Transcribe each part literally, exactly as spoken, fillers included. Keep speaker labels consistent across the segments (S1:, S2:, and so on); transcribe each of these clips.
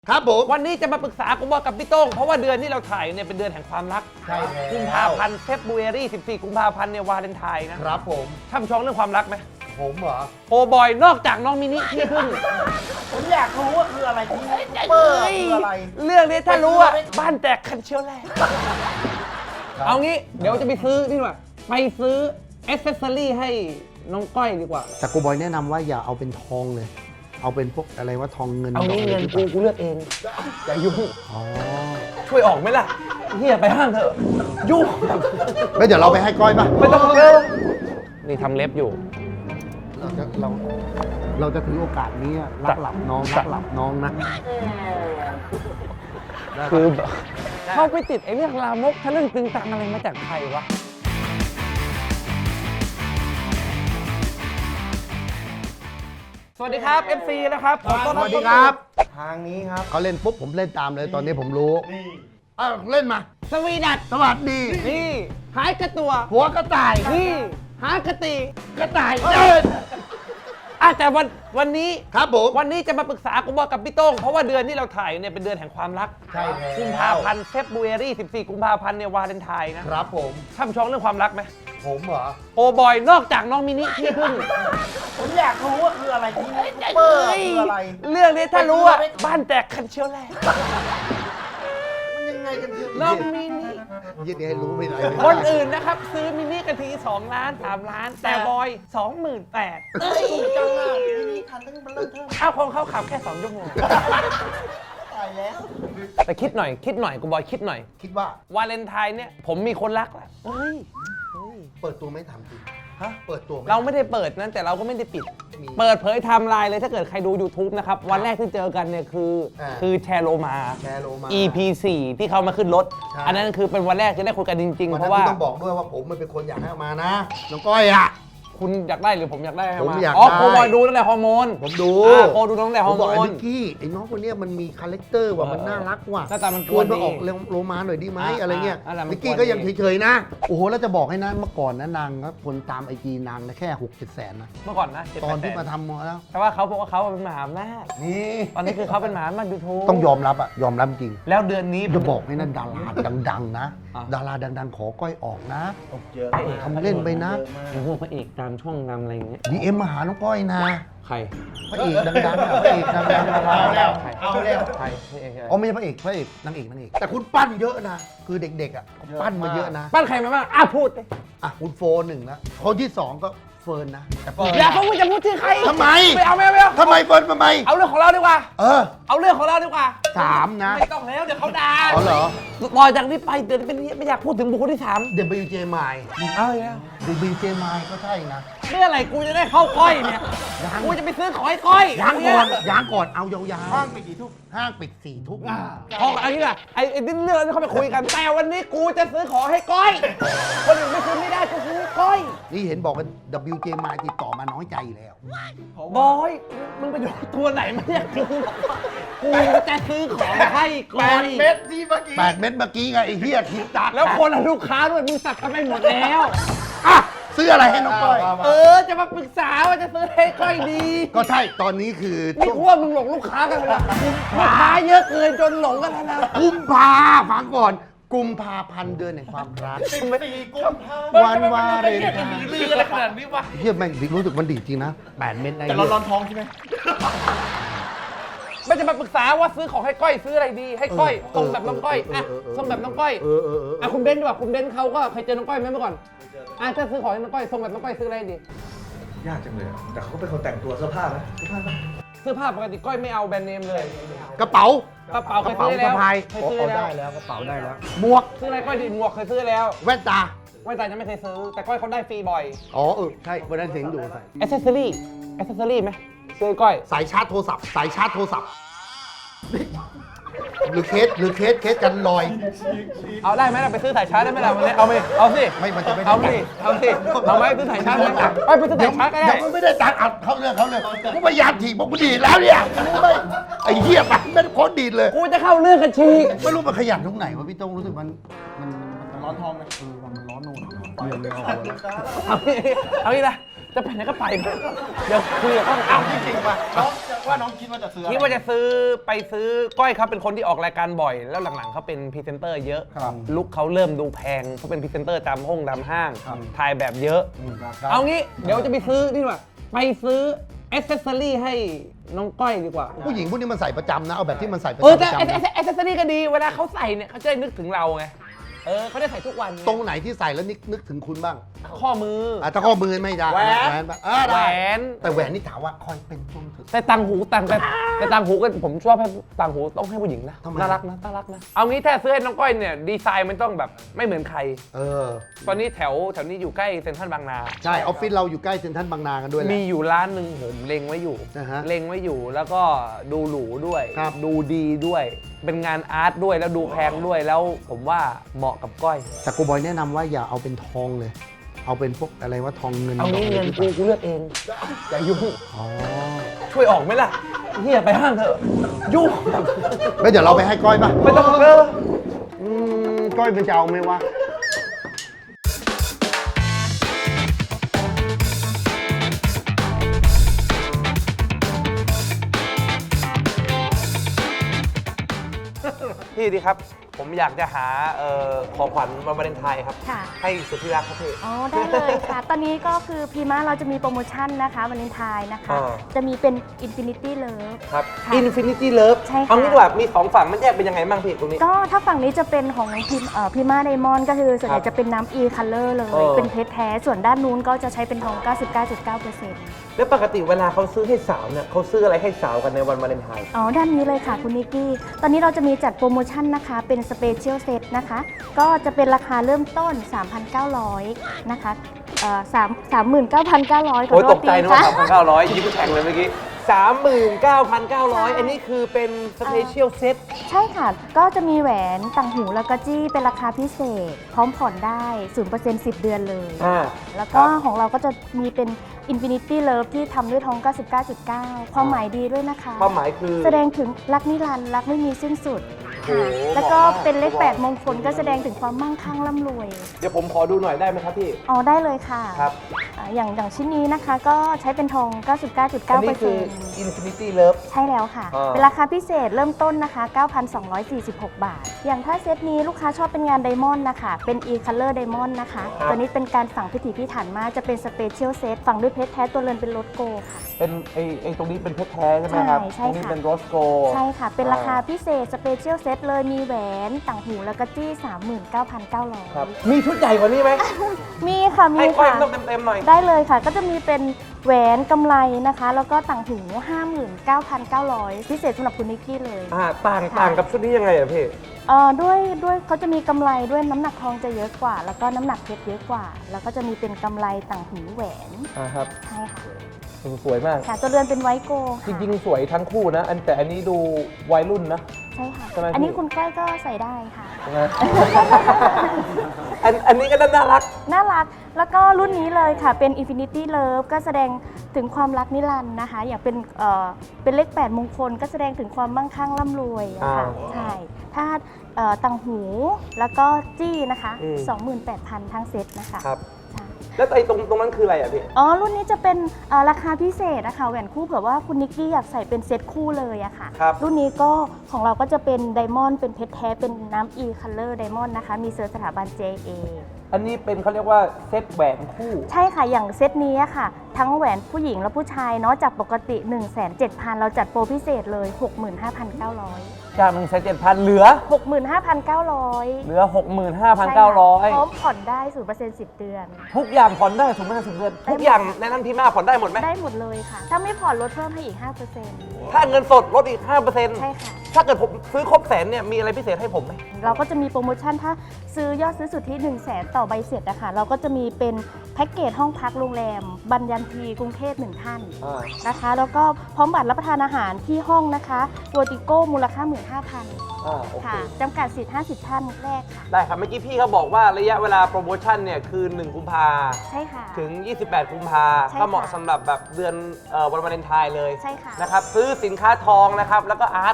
S1: ครับผม
S2: วันนี้จะมาปรึกษากูบอกกับพี่โต้งเพราะว่าเดือนที่เราถ่ายเนี่ยเป็นเดือนแห่งความรัก
S1: ใช่แล้ว
S2: กุมภาพันธ์เฟบรุรีสิบสี่กุมภาพันธ์เนี่ยวาเลนไทน์นะครับ
S1: ผม
S2: ช่ำชองเรื่องความรักไหม
S1: ผมเหรอ
S2: โอบอยนอกจากน้องมินิที่พึ่ง
S1: ผมอยากรู้ว่าคืออะไรที่เปิดคืออะไร
S2: เรื่องนี้ถ้ารู้ว่าบ้านแตกคันเชียวแรกเอางี้เดี๋ยวจะไปซื้อนี่ว่าไปซื้อแอ c เซสซอรี่ให้น้องก้อยดีกว่า
S1: แต่กูบอยแนะนำว่าอย่าเอาเป็นทองเลยเอาเป็นพวกอะไรว่าทองเงิน
S2: เอางี้เงินกูกูเลือกเองอย่ายุ่ง
S1: อ๋อ
S2: ช่วยออกไหมล่ะเฮียไปห้างเถอะยุ่ง
S1: ไม่เดี๋ยวเราไปให้ก้อยป่ะ
S2: ไม่ต้องเร็วนี่ทำเล็บอยู่
S1: เราจะเราเราจะถือโอกาสนี้รักหลับน้องรักหลับน้องนะ
S2: คือเข้าไปติดไอ้เรื่องลามกทะลึ่งตึงตังอะไรมาจากใครวะสวัสดีครับ เอฟ ซี นะครับขอต้อนรับ
S1: สวัสดีครับทางนี้ครับเขาเล่นปุ๊บผมเล่นตามเลยตอนนี้ผมรู้อ้าวเล่นมา
S2: สวีดัต
S1: สวัสดี
S2: นี่หายกระตัว
S1: หัวกระต่าย
S2: นี่หากระตี
S1: กระต่ายเดิน
S2: อ่ะแต่วันวันนี้
S1: ครับผม
S2: วันนี้จะมาปรึกษากูบอกกับพี่โต้งเพราะว่าเดือนที่เราถ่ายเนี่ยเป็นเดือนแห่งความรัก
S1: ใช่แล้ว
S2: กุมภาพันธ์เฟบรุรีสิบสี่กุมภาพันธ์เนี่ยวาเลนไทน์นะครับ
S1: ผม
S2: ช่ำชองเรื่องความรักไหม
S1: ผมเหรอ
S2: โอบอยนอกจากน้องมินิที่พึ่ง
S1: ผมอยากรู้ว่าคืออะไรที่เปิดคืออะไร
S2: เรื่องนี้ถ้ารู้ว่าบ้านแตกคันเชียวแรก
S1: มันยังไงกันคือ
S2: น้องมินิ
S1: ยิ่งให้รู้ไม่ได้
S2: คนอื่นนะครับซื้อมินิกันทีสองล้านสามล้านแต่บอยสองหมื่นแปด
S1: เอ้ยจังอ่ะมินิทันตั้งมันเริ่มเทิม
S2: อ้าวคงเขาขับแค่สองชั่วโมง
S1: ตายแล้ว
S2: แต่คิดหน่อยคิดหน่อยกูบอยคิดหน่อย
S1: คิดว่
S2: าวาเลนไทน์เนี่ยผมมีคนรักแล้วเฮ้ย
S1: เปิดตัวไม่ถามจริง
S2: ฮะ
S1: เปิดตัว
S2: เราไม่ได้เปิดนั้นแต่เราก็ไม่ได้ปิดเปิดเผยไทม์ไลน์เลยถ้าเกิดใครดู YouTube นะครับวันแรกที่เจอกันเนี่ยคือคือแชร์โลมา อี พี สี่ ที่เขามาขึ้นรถอันนั้นคือเป็นวันแรกที่ได้คุยกันจริงๆเพราะว่า
S1: ต้องบอกด้วยว่าผมมันเป็นคนอยากให้มานะน้องก้อยอ่ะ
S2: คุณอยากได้หรือผมอยากได้
S1: ผมอยากได้
S2: อ๋อโคบอยดูตั้งแต่ฮอร์โมน
S1: ผมดู
S2: โคดูตั้งแต่ฮอร์โมน
S1: ผมบอกไอ้นิกกี้ไอ้น้องคนนี้มันมีคาแรคเตอร์ว่ะมันน่ารักว่ะ
S2: หน้าตามัน
S1: ควรมาออกโรมาหน่อยดีไหมอะไรเงี้ยนิกกี้ก็ยังเฉยๆนะโอ้โหแล้วจะบอกให้นะเมื่อก่อนนะนางครับคนตามไอจีนางนะแค่หกเจ็ดแสนนะ
S2: เมื่อก่อนนะ
S1: ตอนที่มาทำมาแล้ว
S2: แต่ว่าเขาบอกว่าเขาเป็นมหาอำนาจ
S1: นี่
S2: ตอนนี้คือเขาเป็นมหาอำนาจยูทูบ
S1: ต้องยอมรับอะยอมรับจริง
S2: แล้วเดือนนี้
S1: จะบอกให้นั่นดาราดังๆนะดาราดังๆขอก้อยออกนะทำเล่นไปนะ
S2: พวกพระเอกตามช่องนำอะไรอย่างเงี้ย
S1: ดีเอ็มมาหาน้องก้อยนะ
S2: ใคร
S1: พระเอกดังๆอ่ะพระเอกดังๆเอาแล้วเอาแล้ว
S2: ใคร
S1: อ๋อไม่ใช่พระเอกพระเอกนางเอกนางเอกแต่คุณปั้นเยอะนะคือเด็กๆอ่ะปั้นมาเยอะนะ
S2: ปั้นใครมาบ้างอ่ะพูดเลย
S1: อ่ะคุณโฟนหนึ่งนะคนที่สองก็เฟิร์นนะ
S2: อย่าเขาพูดจะพูดชื่อใคร
S1: ทำไม
S2: ไม่เอาไม่เอาไม่เอา
S1: ทำไมเฟิร์นทำไม
S2: เอาเรื่องของเราดีกว่า
S1: เออ
S2: เอาเรื่องของเราดีกว่า
S1: สามนะ
S2: ไม่ต้องแล้วเดี๋ยวเขาด่า
S1: อ๋อเหรอ
S2: ต่อจากนี้ไปเดี๋ยวเป็นไม่อยากพูดถึงบุคคลที่สาม
S1: เดบิวเจมาย
S2: เอาแล้ว
S1: เดบิวเจมายก็ใช่นะ
S2: เมื่อไหร่กูจะได้เข้าก้อยเนี่ยกูจะไปซื้อขอยก้อย
S1: ยางก่อนยางก่อนเอายาวๆห้างปิดกี่ทุ่มห้างปิดสี่ทุ่ม
S2: พออันนี้แหละไอ้ไอ้เรื่องที่เขาไปคุยกันแต่วันนี้กูจะซื้อของให้ก้อยคนอื่นไม่ซื้อไม่ได้กูซื้อก้อย
S1: นี่เห็นบอกกัน ดับเบิลยู เจ มาย ติดต่อมาน้อยใจแล้ว
S2: บอยมึงไปดูตัวไหนมาเนี่ยกูกูจะซื้อของให้ก้อย
S1: แปดเม็ดที่เมื่อกี้แปดเม็ดเมื่อกี้ไงไอ้เหี้ยคิดตัด
S2: แล้วคนลูกค้าด้วยมึงสักกันไปหมดแล้ว
S1: อ่ะซื้ออะไรให้น้องก้อย
S2: เออจะมาปรึกษาว่าจะซื้อให้ก้อยดี
S1: ก็ใช่ตอนนี้คือ
S2: นี่พวกมึงหลงลูกค้ากันเลยลูกค้าเยอะเกินจนหลงกันแล้วนะ
S1: กุมภาฟังก่อนกุมภาพันธ์เดือนแห่งความรัก
S2: สิบสี่กุมภา
S1: วันวาเลนไทน์
S2: ลืออะไรขนาดนี้วะ
S1: เฮียแม่งรู้สึกมันดีจริงนะแปดเม็ดใน
S2: แต่เราร้อนท้องใช่ไหมไม่จะมาปรึกษาว่าซื้อของให้ก้อยซื้ออะไรดีให้ก้อยทรงแบบน้องก้อยอ่ะทรงแบบน้องก้อยอ่ะคุณเบนดีกว่าคุณเบนเขาก็เคยเจอน้องก้อยไหมเมื่อก่อนอ่ะถ้าซื้อของให้น้องก้อยทรงแบบน้องก้อยซื้ออะไรดี
S3: ยากจังเลยแต่เขาเป็นคนแต่งตัวเสื้อผ้านะเสื้อผ้า
S2: เสื้อผ้าปกติก้อยไม่เอาแบรนด์เนมเลย
S1: กระเป๋าก
S2: ระเป๋าเคยซื้อแล้ว
S1: เคยซื้อได้แล้วกระเป๋าได้แล้วหมวก
S2: ซื้ออะไรก้อยดีหมวกเคยซื้อแล้ว
S1: แว่นตา
S2: แว่นตายังไม่เคยซื้อแต่ก้อยเขาได้ฟรีบ่อย
S1: อ๋อเออใช่วันนั้นเสียงดูใส่
S2: แอคเซสซอรี่แอคเซสซอรี่ไหมซื้อก้อย
S1: สายชาร์จโทรศัพท์สายชาร์จโทรศัพท์หรือเคสหรือเคสเคสกันลอย
S2: เอาได้ไหมล่ะไปซื้อสายชาร์จได้ไหมล่ะวันนี้เอาไปเอาสิ
S1: ไม่มันจะไม่
S2: เอาสิเอาสิเอาไหมซื้อสายชาร์จไหมไปไปซื้อสายชาร์จก็ได้
S1: เดี๋ยวไม่ได้ตังค์เอาเขาเรื่องเขาเรื่องกูพยายามถีบบอกกูดีแล้วเนี่ยไม่ไอ้เหี้ยมันไม่โคตรดีเลย
S2: กูจะเข้าเรื่องกันชี
S1: ไม่รู้มันขยันตรงไหนวะพี่ต้องรู้สึกมันมัน
S3: มันร้อนท้องไหม
S1: เออมันร้อนโน่น
S2: เอาเอางี้นะจะไปไหนก็ไปเดี๋ยวคุยกับเขาอ้าว
S1: จริงป่ะน้องว่าน้องคิดว่าจะซื้อ
S2: คิดว่าจะซื้อไปซื้อก้อยเขาเป็นคนที่ออกรายการบ่อย แล้วหลังๆเขาเป็นพรีเซนเตอร์เยอะลุคเขาเริ่มดูแพงเขาเป็นพรีเซนเตอร์ตามห้องตามห้างถ่ายแบบเยอะเอางี้เดี๋ยวจะไปซื้อนี่ดีกว่าไปซื้อแอคเซสซอรี่ให้น้องก้อยดีกว่า
S1: ผู้หญิงพวกนี้มันใส่ประจำนะเอาแบบที่มันใส่ประ
S2: เออ
S1: จำ
S2: แต่
S1: ประจำนะ
S2: แอคเซสซอรี่ก็ดีเวลาเขาใส่เนี่ยเขาจะได้นึกถึงเราไงเออเขาได้ใส่ทุกวัน
S1: ตรงไหนที่ใส่แล้วนึกนึกถึงคุณบ้าง
S2: ข้อมือ
S1: อ่ะถ้าข้อมือไม่ได้
S2: แหวน
S1: ปะเออ
S2: แหว
S1: ได้
S2: น
S1: แต่แหวนนี่ถามว่าคอยเป็นต้นถึง
S2: แต่ต่างหูต่างแต่แต่ต่างหูก็ผมชอบให้ต่างหูต้องให้ผู้หญิงนะ
S1: ทำไม
S2: น่ารักนะน่ารักนะเอางี้ถ้าซื้อให้น้องก้อยเนี่ยดีไซน์มันต้องแบบไม่เหมือนใคร
S1: เออ
S2: ตอนนี้แถวแถวนี้อยู่ใกล้เซ็นทรัลบางนา
S1: ใช่ออฟฟิศเราอยู่ใกล้เซ็นทรัลบางนากันด้วยแหละ
S2: มีอยู่ร้านหนึ่งผมเล็งไว้อยู่
S1: นะฮะ
S2: เล็งไว้อยู่แล้วก็ดูหรูด้วย
S1: ครับ
S2: ดูดีด้วย เป็นงานอาร์ตด้วยแล้วดูแพงด้วยแล้วผมว่าเหมาะกับก้อย
S1: แต่กูบอยแนะนำว่าอย่าเอาเป็นทองเลย เอาเป็นพวกอะไรว่าทองเงิน
S2: เอางี้
S1: ท
S2: เงิน
S1: ดี
S2: กูกูเลือกเองอย่ายุ่ง
S1: อ๋อ
S2: ช่วยออกไหมล่ะเฮียไปห้างเถอะยุ่ง
S1: แล้วเดี๋ยวเราไปให้ก้อยป่ะ
S2: ไม่ต้องเออ
S1: อืมก้อยเป็นจะเอาไหมวะ
S2: พี่ดีครับ ผมอยากจะหาเอ่อของขวัญวันวาเลนไทน์ครับ
S4: ค่ะ
S2: ให้สุดที่รักครับพี่
S4: อ๋อ ได้เลยค่ะ ตอนนี้ก็คือพีมาเราจะมีโปรโมชั่นนะคะวาเลนไทน์นะคะ
S2: อ่า
S4: จะมีเป็น Infinity Love
S2: ครับ
S4: ค่ะ
S2: Infinity Love
S4: ใช่ค่ะ
S2: เอางี้ดีกว่ามีสองฝั่งมันแยกเป็นยังไงบ้างพี่ตรงนี้
S4: ก็ถ้าฝั่งนี้จะเป็นของพิมเอ่อพีมาไดมอนด์ก็คือส่วนให
S2: ครั
S4: ญ่
S2: บ
S4: จะเป็นน้ำ E Color เลย
S2: เออ
S4: เป็นเพชรแท้ ส่วนด้านนู้นก็จะใช้เป็นทอง เก้าสิบเก้าจุดเก้าเปอร์เซ็นต์
S2: แล้วปกติเวลาเขาซื้อให้สาวเนี่ยเขาซื้ออะไรให้สาวกันในวันวาเลนไทน์
S4: อ๋อ ด้านนี้เลยค่ะคุณนิกกี้ ตอนนี้เราจะมีจัดโปรโมชั่นนะคะ เป็นสเปเชียลเซตนะคะ ก็จะเป็นราคาเริ่มต้น สามพันเก้าร้อย นะคะเอ่อสาม สามหมื่นเก้าพันเก้าร้อย ขอ
S2: โอ้ย
S4: โท
S2: ต
S4: ษ
S2: ก
S4: ที
S2: ใจนึกว่า
S4: ค่ะ
S2: สามพันเก้าร้อยยิ้มแข่งเลยเมื่อกี้สามหมื่นเก้าพันเก้าร้อย
S4: ใช่
S2: อันนี้คือเป็นสเปเชียลเซต
S4: ใช่ค่ะ ก็จะมีแหวนต่างหูแล้วก็จี้เป็นราคาพิเศษ พร้อมผ่อนได้ ศูนย์เปอร์เซ็นต์ สิบ เดือนเลย
S2: อ่า
S4: แล้วก็ของเราก็จะมีเป็น Infinity Love ที่ทำด้วยทอง เก้าสิบเก้าจุดเก้า ความหมายดีด้วยนะคะ
S2: ความหมายคือ
S4: แสดงถึงรักนิรันดร์รักไม่มีสิ้นสุด
S2: โอ้
S4: ค่ะ
S2: โห
S4: แล้วก็
S2: เหมาะมาก
S4: เป็นเลขแปดมงคลก็แสดงถึงความมั่งคั่งร่ำรวย
S2: เดี๋ยวผมขอดูหน่อยได้ไหมครับพี่
S4: อ๋อได้เลยค่ะ
S2: ครับ
S4: อ่าอย่างอย่างชิ้นนี้นะคะก็ใช้เป็นทอง เก้าสิบเก้าจุดเก้า
S2: อัน
S4: เปอ
S2: นี้
S4: ร์
S2: คื
S4: เซ็
S2: อ
S4: นต์
S2: Infinity Love
S4: ใช่แล้วค่ะ
S2: อ่า
S4: เป็นราคาพิเศษเริ่มต้นนะคะ เก้าพันสองร้อยสี่สิบหก บาท อย่างถ้าเซตนี้ลูกค้าชอบเป็นงานไดมอนด์นะคะ เป็น e color diamond นะคะ ตัวนี้เป็นการฝังพิถีพิถันมาก จะเป็นสเปเชียลเซตฝังด้วยเพชรแท้ตัวเรือนเป็นโรสโกค่ะ
S2: เป็นไอไอตรงนี้เป็นเพชรแท้ใช่ไหมครับ
S4: ใช่
S2: ตรงนี้
S4: ค่ะ
S2: เป็นโรสโก
S4: ใช่ค่ะ เป็นราคาพิเศษสเปเชียลเซตเลยมีแหวนต่างหูแล้วก็จี้ สามหมื่นเก้าพันเก้าร้อย
S2: ครับ มีชุดใหญ่กว่านี้ไหม
S4: มีค่ะ มี
S2: ให้ก้อย
S4: ค่ะ
S2: ต้องเต็มๆหน่อย
S4: ได้เลยค่ะ ก็จะมีเป็นแหวนกำไรนะคะ แล้วก็ต่างหู ห้าหมื่นเก้าพันเก้าร้อย พิเศษสำหรับคุณนิกกี้เลย
S2: อ่าต่าง
S4: ค่ะ
S2: ต่างกับชุดนี้ยังไงอะพี่
S4: เอ่อด้วยด้วยเขาจะมีกำไรด้วยน้ำหนักทองจะเยอะกว่า แล้วก็น้ำหนักเพชรเยอะกว่า แล้วก็จะมีเป็นกำไรต่างหูแหวน
S2: อ่าครับ
S4: ใช่ค่ะ
S2: สวยมาก
S4: ค่ะตัวเรือนเป็นไวโก
S2: จ
S4: ค่ะ
S2: ริงๆ สวยทั้งคู่นะ อันแต่อันนี้ดูวัยรุ่นนะ
S4: ใช่ค่ะ
S2: ใช่ไหมพี่
S4: อันนี้คุณก้อยก็ใส่ได้ค่ะ
S2: ใช่ไหม อันอันนี้ก็น่ารัก
S4: น่ารัก แล้วก็รุ่นนี้เลยค่ะ เป็น Infinity Love ก็แสดงถึงความรักนิรันดร์นะคะ อย่างเป็นเอ่อเป็นเลขแปดมงคล ก็แสดงถึงความมั่งคั่งร่ำรวยอะค่ะ
S2: อ่า
S4: ใช่ ถ้าเอ่อต่างหูแล้วก็จี้นะคะ
S2: อืม
S4: สองหมื่นแปดพัน ทั้งเซตนะคะ
S2: ครับ
S4: ใช่
S2: แล้วไอ้ตรงตรงนั้นคืออะไรอ่ะพี่
S4: อ๋อ รุ่นนี้จะเป็นเอ่อราคาพิเศษนะคะแหวนคู่เผื่อว่าคุณนิกกี้อยากใส่เป็นเซตคู่เลยอะค่ะ
S2: ครับ
S4: รุ่นนี้ก็ของเราก็จะเป็นไดมอนด์เป็นเพชรแท้เป็นน้ำ E Color Diamond นะคะ มีเซอร์สถาบัน เจ เอ
S2: อันนี้เป็นเขาเรียกว่าเซตแหวนคู่
S4: ใช่ค่ะ อย่างเซตนี้อะค่ะ ทั้งแหวนผู้หญิงและผู้ชายเนาะจากปกติ หนึ่งแสนเจ็ดพัน เราจัดโปรพิเศษเลย หกหมื่นห้าพันเก้าร้อย
S2: จากหนึ่งแสนเจ็ดพันเหลือ
S4: หกหมื่นห้าพันเก้าร้อย
S2: เหลือหกหมื่นห้าพันเก้าร้อย
S4: พร้อมผ่อนได้ ศูนย์เปอร์เซ็นต์ สิบ เดือน
S2: ทุกอย่างผ่อนได้สมมติสิบเดือนทุกอย่างในนั้นพี่มาผ่อนได้หมดไหม
S4: ได้หมดเลยค่ะ ถ้าไม่ผ่อนลดเพิ่มให้อีก ห้าเปอร์เซ็นต์
S2: ถ้าเงินสดลดอีก ห้าเปอร์เซ็นต์
S4: ใช่ค่ะ
S2: ถ้าเกิดผมซื้อครบแสนเนี่ยมีอะไรพิเศษให้ผมไหม
S4: เราก็จะมีโปรโมชั่นถ้าซื้อยอดซื้อสุทธิหนึ่งแสนต่อใบเสร็จนะคะเราก็จะมีเป็นแพ็กเกจห้องพักโรงแรมบัญญันทีกรุงเทพหนึ่งท่าน
S2: อ่า
S4: นะคะ แล้วก็พร้อมบัตรรับประทานอาหารที่ห้องนะคะโวติโก้มูลค่า หนึ่งหมื่นห้าพัน
S2: อ่าโอเค
S4: ค่ะจำกัดสิทธิ์ห้าสิบท่านแรกค่ะ
S2: ได้ครับ เมื่อกี้พี่เขาบอกว่าระยะเวลาโปรโมชั่นเนี่ยคือหนึ่งกุมภา
S4: ใช่ค่ะ
S2: ถึง ยี่สิบแปดกุมภา
S4: ใช่ค่ะ
S2: ก็เหมาะสำหรับแบบเดือนเอ่อวันวาเลนไทน์เลย
S4: ใช่ค่ะ
S2: นะครับซื้อสินค้าทองนะครับแล้วก็อาร์ตลดสูง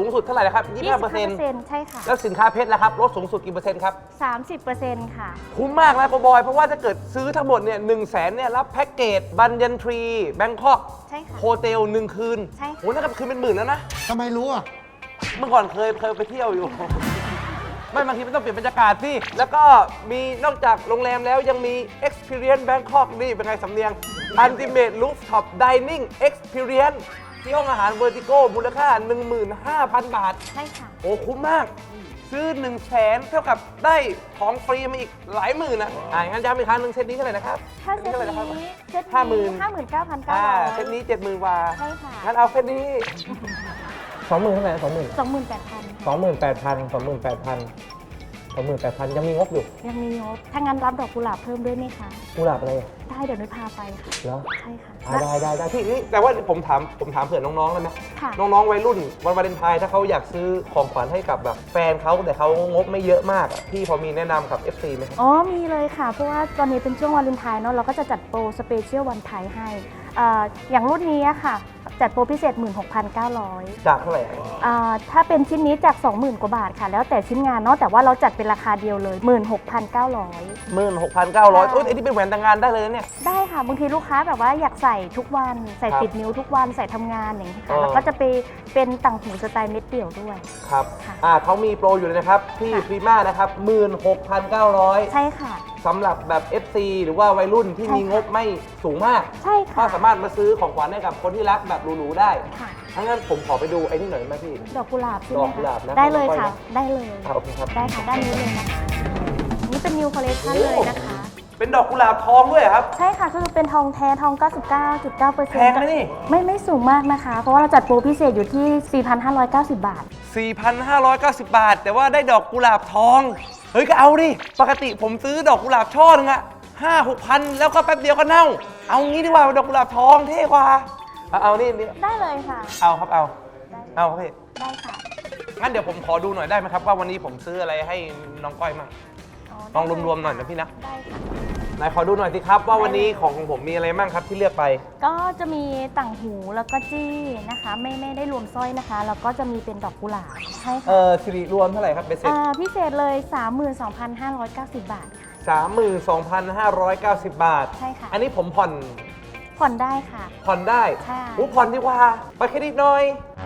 S2: สูงสุดเท่าไหร่นะครับยี่สิบห้าเปอร์เซ็นต์
S4: ใช่ค่ะ
S2: แล้วสินค้าเพชรล่ะครับลดสูงสุดกี่เปอร์เซ็นต์ครับ
S4: สามสิบเปอร์เซ็นต์ ค่ะ
S2: คุ้มมากนะโกบอยเพราะว่าถ้าเกิดซื้อทั้งหมดเนี่ยหนึ่งแสนเนี่ยรับแพ็กเกจบันยันทรีแบงคอก
S4: ใช่ค่ะ
S2: โฮเทลหนึ่งคืน
S4: ใช่ค่ะ
S2: โหนั่นก็คืนเป็นหมื่นแล้วนะ
S1: ทำไมรู้อ่ะ
S2: เมื่อก่อนเคยเคยไปเที่ยวอยู่ ไม่บางทีมันต้องเปลี่ยนบรรยากาศสิแล้วก็มีนอกจากโรงแรมแล้วยังมี Experience Bangkok นี่เป็นไงสำเนียง Ultimate Rooftop Dining Experience ที่ห้องอาหาร Vertigo มูลค่า หนึ่งหมื่นห้าพัน บาท
S4: ใช่ค่ะ
S2: โอ้คุ้มมาก ซื้อ1นึ่งแสนเท่ากับได้ของฟรีมาอีกหลายหมื่นนะอ่างั้นย้ำอีกครั้งหนึ่งเซตนี้เท่าไหร่นะครับ
S4: ถ้าเซต
S2: ท่าไหร่นะครับ
S4: นี้เซต
S2: ห้าหมื่น
S4: ห้าหมื่นเก้าพันเก้า
S2: อ่า
S4: ร้อย
S2: เซตนี้เจ็ดหมื่นกว่า
S4: ใช่ค่ะ
S2: งั้นเอาเซตนี้สองหมื่นเท่าไหร่สองหมื่น
S4: สองหมื่นแปดพัน
S2: สองหมื่นแปดพันสองหมื่นแปดพันสองหมื่นแปดพันยังมีงบอยู่
S4: ยังมีงบถ้างั้นรับดอกกุหลาบเพิ่มด้วยไหมคะ
S2: กุหลาบอะไรอ่ะ
S4: ได้เดี๋ยวนุ้ยพาไปค่ะ
S2: เหรอ
S4: ใช่ค่ะ
S2: อ่าได้ได้ได้พี่นี่แต่ว่าผมถามผมถามเผื่อน้องๆได้ไหม
S4: ค่ะ
S2: น้องๆวัยรุ่นวันวาเลนไทน์ถ้าเขาอยากซื้อของขวัญให้กับแบบแฟนเขาแต่เขางบไม่เยอะมากอะพี่พอมีแนะนำกับ เอฟ ซี ไหมครับ
S4: อ๋อ มีเลยค่ะ เพราะว่าตอนนี้เป็นช่วงวาเลนไทน์เนาะ เราก็จะจัดโปรสเปเชียลวันไทยให้เอ่ออย่างรุ่นนี้อะค่ะ จัดโปรพิเศษ หนึ่งหมื่นหกพันเก้าร้อย
S2: จากเท่าไหร่อะ
S4: อ่าถ้าเป็นชิ้นนี้จาก สองหมื่น กว่าบาทค่ะ แล้วแต่ชิ้นงานเนาะ แต่ว่าเราจัดเป็นราคาเดียวเลย หนึ่งหมื่นหกพันเก้าร้อย
S2: หมื่นหกพันเก้าร้อย
S4: ใช่
S2: โอ้ยไอ้นี่เป็นแหวนแต่งงานได้เลยนะเนี่ย
S4: ได้ค่ะ บางทีลูกค้าแบบว่าอยากใส่ทุกวัน ใส่
S2: ครับ
S4: ติดนิ้วทุกวัน ใส่ทำงานอย่างนี้
S2: เอ
S4: ค่ะ
S2: อ
S4: แล้วก็จะไปเป็นต่างหูสไตล์เม็ดเดี่ยวด้วย
S2: ครับ
S4: ค่ะ
S2: อ่าเขามีโปรอยู่เลยนะครับ ที่
S4: ค่ะ
S2: พรีมานะครับ หนึ่งหมื่นหกพันเก้าร้อย
S4: ใช่ค่ะ
S2: สำหรับแบบ เอฟ ซี หรือว่าวัยรุ่นที่
S4: ใช่
S2: มี
S4: ค่ะ
S2: งบไม่สูงมาก
S4: ใช่
S2: ก็
S4: ค่ะ
S2: สามารถมาซื้อของขวัญให้กับคนที่รักแบบหรูๆได้
S4: ค่ะ
S2: ทั้างนั้นผมขอไปดูไอ้นี่หน่อยได้ไหมพี่
S4: ดอกกุหลาบใช่ไหม
S2: ดอกกุหลาบนะ
S4: ได้เลย
S2: ค่อยๆ
S4: ค่ะ
S2: นะ
S4: ได้เลย
S2: อ่าโอเคครับ
S4: ได้ค่ะ ด้านนี้เลยนะคะนี่เป็นนิวคอลเลคชัน
S2: โอ้
S4: เลยนะคะ
S2: เป็นดอกกุหลาบทองด้วยเหรอครับ
S4: ใช่ค่ะก็คือเป็นทองแท้ทอง เก้าสิบเก้าจุดเก้าเปอร์เซ็นต์
S2: แพงไหมนี่
S4: ไม่ไม่สูงมากนะคะ เพราะว่าเราจัดโปรพิเศษอยู่ที่ สี่พันห้าร้อยเก้าสิบ บาท
S2: สี่พันห้าร้อยเก้าสิบ บาท แต่ว่าได้ดอกกุหลาบทอง เฮ้ยก็เอาดิ ปกติผมซื้อดอกกุหลาบช่อนึงอะห้าหกพันแล้วก็แป๊บเดียวก็เน่า เอางี้ดีกว่าดอกกุหลาบทองเท่กว่า เอาเอานี่นี่
S4: ได้เลยค่ะ
S2: เอาครับเอา
S4: ได้
S2: เอาครับพี่
S4: ได้ค่ะ
S2: งั้นเดี๋ยวผมขอดูหน่อยได้ไหมครับว่าวันนี้ผมซื้ออะไรให้น้องก้อยมั่ง ลองรวมๆหน่อยนะพี่นะ
S4: ได้ค่ะ
S2: ไหนขอดูหน่อยสิครับว่าวันนี้ของของผมมีอะไรมั่งครับที่เลือกไป
S4: ก็จะมีต่างหูแล้วก็จี้นะคะ ไม่ไม่ได้รวมสร้อยนะคะ แล้วก็จะมีเป็นดอกกุหลาบใช่
S2: เอ
S4: ค่ะ
S2: อสิริรวมเท่าไหร่ครับเบสเซ็ต
S4: อ่าพิเศษเลย สามหมื่นสองพันห้าร้อยเก้าสิบ บาทค่ะ
S2: สามหมื่นสองพันห้าร้อยเก้าสิบบาท
S4: ใช่ค่ะ
S2: อันนี้ผมผ่อน
S4: ผ่อนได้ค่ะ
S2: ผ่อนได้
S4: ใช่
S2: อู้ผ่อนดีกว่าไปเครดิตหน่อย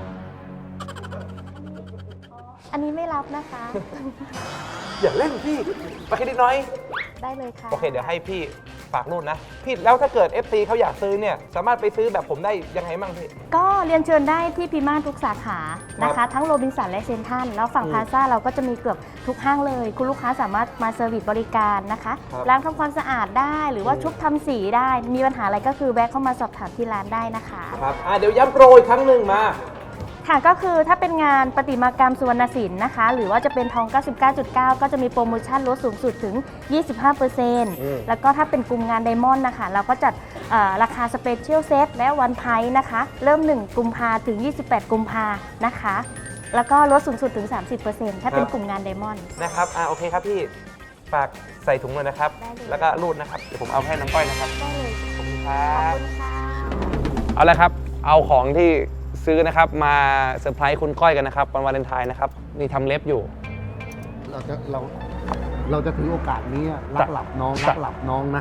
S4: อันนี้ไม่รับนะคะ
S2: อย่าเล่นพี่ไปเครดิตหน่อย
S4: ได้เลยค่ะ
S2: โอเค เดี๋ยวให้พี่ฝากรุ่นนะ พี่แล้วถ้าเกิด เอฟ ซี เขาอยากซื้อเนี่ย สามารถไปซื้อแบบผมได้ยังไงบ้างพี่
S4: ก็เรียนเชิญได้ที่พิมานทุกสาขานะ
S2: ครั
S4: คะ
S2: บ
S4: ทั้งโรบินสันและเซนทรัลแล้วฝั่ง
S2: อืม
S4: พลาซ่าเราก็จะมีเกือบทุกห้างเลย คุณลูกค้าสามารถมาเซอร์วิสบริการนะคะ
S2: ครับ
S4: ล้างทำความสะอาดได้หรือว่า
S2: อืม
S4: ชุบทำสีได้ มีปัญหาอะไรก็คือแวะเข้ามาสอบถามที่ร้านได้นะคะ
S2: ครับอ่าเดี๋ยวย้ำโปรอีกครั้งหนึ่งมา
S4: ค่ะก็คือถ้าเป็นงานประติมากรรมสุวรรณศิลป์นะคะ หรือว่าจะเป็นทอง เก้าสิบเก้าจุดเก้า ก็จะมีโปรโมชั่นลดสูงสุดถึง ยี่สิบห้าเปอร์เซ็นต์
S2: อืม
S4: แล้วก็ถ้าเป็นกลุ่มงานไดมอนด์นะคะ เราก็จัดเอ่อราคาสเปเชียลเซตและวันไพร์นะคะ เริ่ม หนึ่ง กุมภาถึง ยี่สิบแปด กุมภานะคะ แล้วก็ลดสูงสุดถึง สามสิบเปอร์เซ็นต์ ถ้าเป็นกลุ่มงานไดมอนด์
S2: นะครับอ่าโอเคครับพี่ ฝากใส่ถุงเลยนะครับ
S4: ได้เลย
S2: แล้วก็รูดนะครับ เดี๋ยวผมเอาให้น้องก้อยนะครับ
S4: ได้เลย
S2: ขอบคุณค
S4: ข
S2: รั
S4: อบบ คุณค่ะ
S2: เอาละครับ เอาของที่ซื้อนะครับมาเซอร์ไพรส์คุณก้อยกันนะครับวันวาเลนไทน์นะครับ นี่ทำเล็บอยู่
S1: เราจะเราเราจะถือโอกาสนี้อะรักหลับน้องรักหลับน้องนะ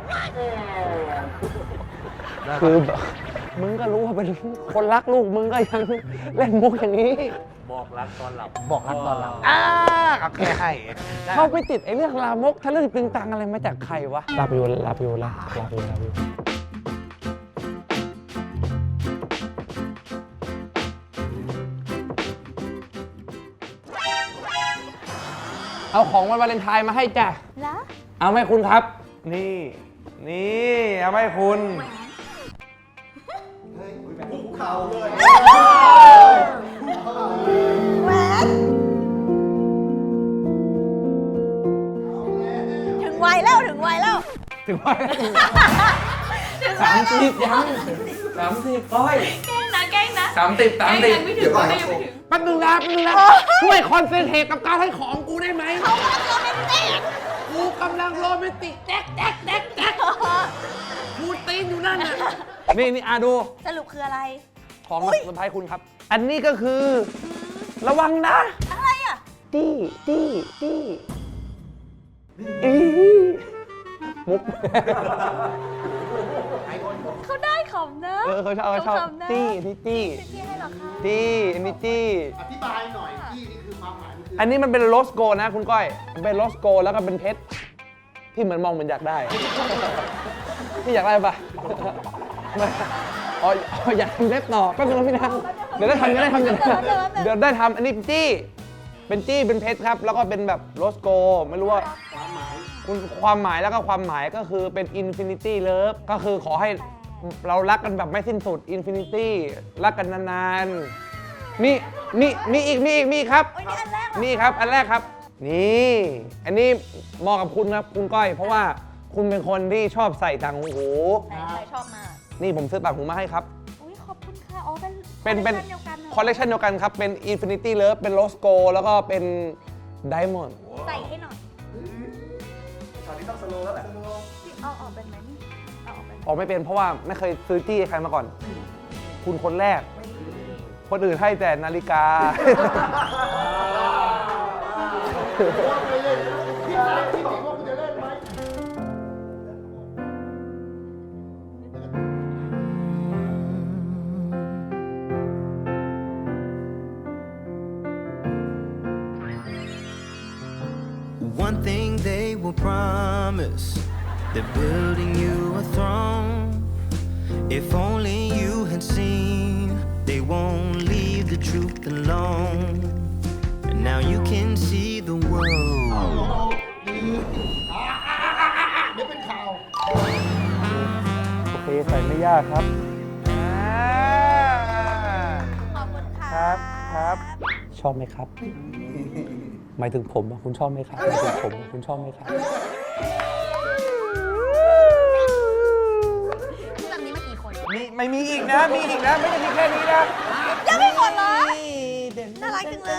S2: คือแบบมึงก็รู้ว่าเป็นคนรักลูกมึงก็ยังเล่นมุกอย่างนี้
S3: บอกรักตอนหลับ
S1: บอกรักตอนหลับอ่าโอเคให้
S2: เข้าไปติดไอ้เรื่องลามกทะลึ่งตึงตังอะไรมาจากใครวะลาบอยู่ลาบอยู่ลาลาบอยู่ลาบอยู่เอาของวันวาเลนไทน์มาให้จ้ะ
S4: แล้ว
S2: เอาไหมคุณครับ นี่ นี่เอาไหมคุณ
S5: แหวนถึงวัยแล้วถึงวัยแล้ว
S2: ถึงว่าสามสิบยังสามสิบก้อย
S5: แกล้งนะแกล้งนะ
S2: สามสิบสามสิบ
S5: ยังไม่ถึงยังไม่ถึง
S2: แป๊บนึงนะแป๊บนึงนะช่วยคอนเซนเทรตกับการให้ของกูได้ไหม
S5: เขากำลังโรแมนติก
S2: กูกำลังโรแมนติกแจ๊กแจ๊กแจ๊กแจ๊กพูดตีนอยู่นั่นน่ะนี่นี่อาดู
S5: สรุปคืออะไร
S2: ของมาเซอร์ไพรส์คุณครับ อันนี้ก็คือระวังนะ
S5: อะไรอ่ะ
S2: ตี้ตี้ตี้อีมุก
S5: เขาได้ขำนะ
S2: เออเขาชอบเขาชอบ
S5: ขำนะ
S2: ตี้นี่ตี้
S5: พี่ให้เหรอคะ
S2: ตี้อันนี้ตี้
S1: อธิบายหน่อยที่นี่คือความหมายมันคือ
S2: อันนี้มันเป็นโรสโกนะคุณก้อยมันเป็นโรสโกแล้วก็เป็นเพชรที่เหมือนมองเหมือนอยากได้ พี่อยากได้ปะอ๋ออ๋ออยากทำเล็บต่อแป๊บนึงนะพี่นะเดี๋ยวได้ทำเดี๋ยวได้ทำเดี๋ยวได้ทำเดี๋ยวได้ทำอันนี้เป็นจี้เป็นจี้เป็นเพชรครับแล้วก็เป็นแบบโรสโกไม่รู้ว่าคุณความหมายแล้วก็ความหมายก็คือเป็นอินฟินิตี้เลิฟก็คือขอให้เรารักกันแบบไม่สิ้นสุดอินฟินิตี้รักกันนานๆมีมีมีอีกมีอีกมีอีกครับ
S5: โอ้ยนี่อันแรกเหรอ
S2: นี่ครับ อันแรกครับ นี่ อันนี้เหมาะกับคุณครับคุณก้อย เพราะว่าคุณเป็นคนที่ชอบใส่ต่างหู
S5: ไหนใครชอบมาก
S2: นี่ผมซื้อต่างหูมาให้ครับ
S5: อุ้ยขอบคุณค่ะ อ๋อ เป็น
S2: เป็นเป็น
S5: คอลเลคชันเดียวกันหรอ
S2: คอลเลคชันเดียวกันครับ เป็น Infinity Love เป็น Rose Gold แล้วก็เป็น Diamond
S5: ใส่ให้หน่อย
S3: ตอนนี้ต้องสโลว์แล้วแหละ
S5: เอาออกเป็นไหมนี่เอาออกเป็นไหม
S2: ออกไม่เป็นเพราะว่าไม่เคยซื้อจี้ให้ใครมาก่อน คุณคนแรก คนอื่นให้แต่นาฬิกา
S1: ว่าไปเลยพี่ถามพี่บอกว่าคุณจะเล่นไหม
S6: One thing they will promise, they're building you a throne. If only you had seen, they won't leave the truth alone. And now you can see the world.
S1: เดี๋ยวเป็นข่าว
S2: โอเค ใส่ไม่ยากครับ
S5: ขอบคุณค่ะ
S2: ครับครับ ชอบไหมครับ หมายถึงผมอะคุณชอบไหมครับหมายถึงผมอะคุณชอบไหมครับ
S5: ที่แบบนี้มากี่คน
S2: มีไม่มีอีกนะ มีอีกนะ ไม่ได้มีแค่นี้นะ
S5: ยังไม่หมดเหรอ
S2: เด่น
S5: น่ารักจังเลย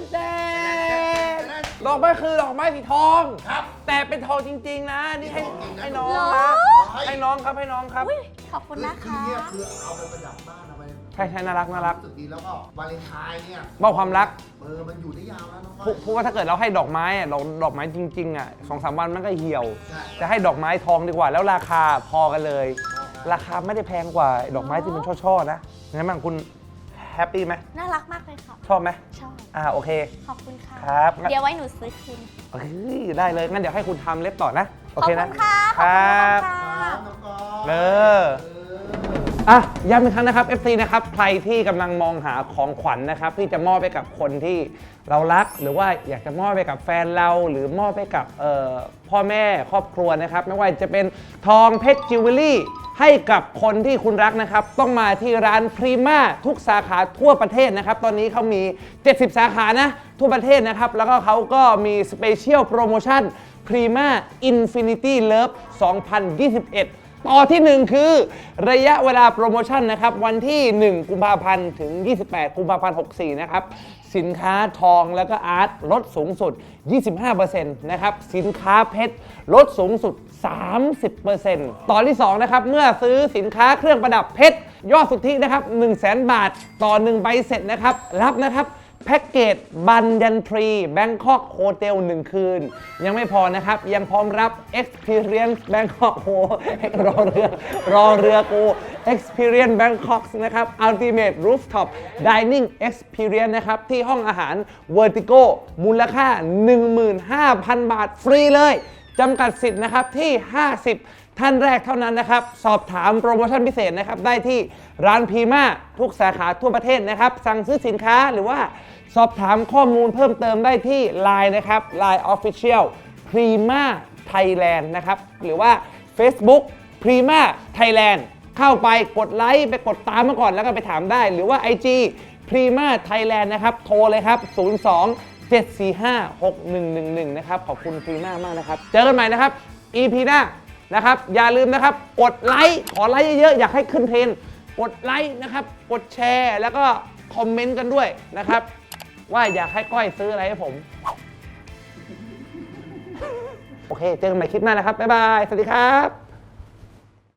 S2: ดอกไม้คือดอกไม้สีทอง ครับ แต่เป็นทองจริง ๆ นะ นี่ให้ให้น้อง
S5: เหรอ
S2: นะให้น้องครับให้น้องครับ
S5: อุ้ยขอบคุณนะ
S1: คือ
S5: คะ
S1: เนี่ยคือเอาไปประดับบ้านเอาไป
S2: ใช่ใช่น่ารักน่ารัก
S1: รู้สึกดีแล้วก็วาเลนไทน์เนี่ย
S2: มอบความรัก
S1: เออมันอยู่ได้ยาวนะน้อง
S2: พูพูดว่าถ้าเกิดเราให้ดอกไม้อะดอกดอกไม้จริง ๆ อ่ะสองสามวันมันก็เหี่ยว
S1: ใช่
S2: จะให้ดอกไม้ทองดีกว่า แล้วราคาพอกันเลย ราคาไม่ได้แพงกว่าดอกไม้ที่เป็นช่อๆนะงั้นบ้างคุณแฮปปี้ไหม
S5: น่ารักมากเลยค่ะ
S2: ชอบไหม
S5: ชอบ
S2: อ่าโอเค
S5: ขอบคุณค่ะ
S2: ครับงั้น
S5: เดี๋ยวไว้หนูซื้อคืน
S2: เฮ้ยได้เลย งั้นเดี๋ยวให้คุณทำเล็บต่อนะ โอ
S5: ขอบ
S2: เค
S5: คุ
S2: นะ
S5: ณค่ะ
S2: ค
S5: ขอบ
S2: รั
S5: คุณ
S2: บ
S5: ค่ะ
S1: น้องกอล์ฟ
S2: เอออ่ะย้ำอีกครั้งนะครับ เอฟ ซี นะครับ ใครที่กำลังมองหาของขวัญนะครับ ที่จะมอบไปกับคนที่เรารัก หรือว่าอยากจะมอบไปกับแฟนเรา หรือมอบไปกับเอ่อพ่อแม่ครอบครัวนะครับ ไม่ว่าจะเป็นทองเพชรจิวเวลรี่ให้กับคนที่คุณรักนะครับ ต้องมาที่ร้านพรีมาทุกสาขาทั่วประเทศนะครับ ตอนนี้เขามี เจ็ดสิบ สาขานะทั่วประเทศนะครับ แล้วก็เขาก็มีสเปเชียลโปรโมชั่น Prima Infinity Love สองพันยี่สิบเอ็ด ต่อที่หนึ่งคือระยะเวลาโปรโมชั่นนะครับ วันที่ หนึ่ง กุมภาพันธ์ถึง ยี่สิบแปด กุมภาพันธ์ หกสิบสี่ นะครับ สินค้าทองแล้วก็อาร์ตลดสูงสุด ยี่สิบห้าเปอร์เซ็นต์ นะครับ สินค้าเพชรลดสูงสุด สามสิบเปอร์เซ็นต์ ต่อที่สองนะครับ เมื่อซื้อสินค้าเครื่องประดับเพชรยอดสุทธินะครับ หนึ่งแสน บาทต่อหนึ่งใบเสร็จนะครับ รับนะครับ แพ็กเกจบันยันทรีแบงคอกโฮเทลหนึ่งคืน ยังไม่พอนะครับ ยังพร้อมรับ Experience Bangkok โหรอเรือรอเรือกู Experience Bangkok นะครับ Ultimate Rooftop Dining Experience นะครับ ที่ห้องอาหาร Vertigo มูลค่า หนึ่งหมื่นห้าพัน บาทฟรีเลยจำกัดสิทธิ์นะครับที่ ห้าสิบ ท่านแรกเท่านั้นนะครับ สอบถามโปรโมชั่นพิเศษนะครับ ได้ที่ร้านพรีมาทุกสาขาทั่วประเทศนะครับ สั่งซื้อสินค้าหรือว่าสอบถามข้อมูลเพิ่มเติมได้ที่ ไลน์ นะครับ ไลน์ Official Prima Thailand นะครับ หรือว่า Facebook Prima Thailand เข้าไปกดไลค์ไปกดตามมาก่อนแล้วก็ไปถามได้ หรือว่า ไอ จี Prima Thailand นะครับ โทรเลยครับ ศูนย์ สอง เจ็ด สี่ ห้า หก หนึ่ง หนึ่ง หนึ่ง นะครับ ขอบคุณ Prima มากนะครับ เจอกันใหม่นะครับ อี พี หน้านะครับ อย่าลืมนะครับ กดไลค์ขอไลค์เยอะๆ อยากให้ขึ้นเทรนด์กดไลค์นะครับ กดแชร์แล้วก็คอมเมนต์กันด้วยนะครับ ว่าอยากให้ก้อยซื้ออะไรให้ผม โอเค เจอกันใหม่คลิปหน้านะครับ บ๊ายบาย สวัสดีครับ